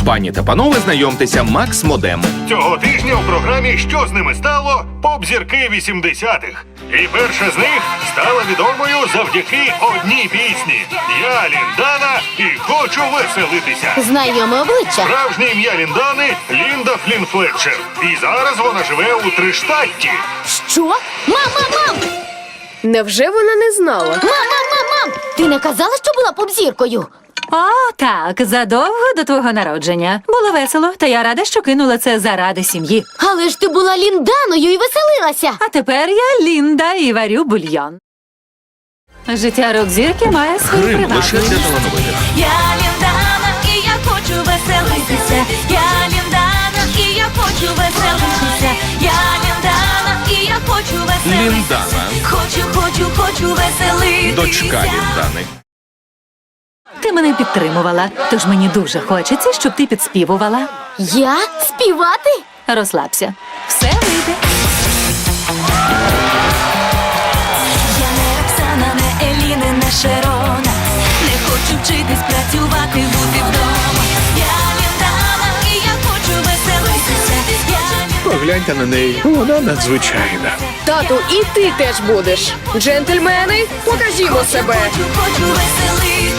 Пані та панове, знайомтеся, Макс Модем. Цього тижня у програмі «Що з ними стало?» поп-зірки 80-х. І перша з них стала відомою завдяки одній пісні. Я Ліндана і хочу веселитися. Знайоме обличчя. Справжнє ім'я Ліндани – Лінда Флін Флетчер. І зараз вона живе у Триштатті. Що? Мам! Невже вона не знала? Мам! Ти не казала, що була поп-зіркою? О, так, задовго до твого народження. Було весело, та я рада, що кинула це заради сім'ї. Але ж ти була Лінданою і веселилася. А тепер я Лінда і варю бульйон. Життя рок-зірки має свою Грим лише привабливість. для талановитих. Я Ліндана, і я хочу веселитися. Я Ліндана, і я хочу веселитися. Я Ліндана, і я хочу веселитися. Ліндана. Хочу веселитися. Дочка Ліндани. Ти мене підтримувала, тож мені дуже хочеться, щоб ти підспівувала. Я? Співати? Розслабся. Все вийде. Я не Роксана, не Еліни, не Шерона. Не хочу вчитись, працювати, бути вдома. Я Ліндана, і я хочу веселитися. Погляньте на неї, вона надзвичайна. Тату, і ти теж будеш. Джентльмени, покажімо себе. Хочу веселитися.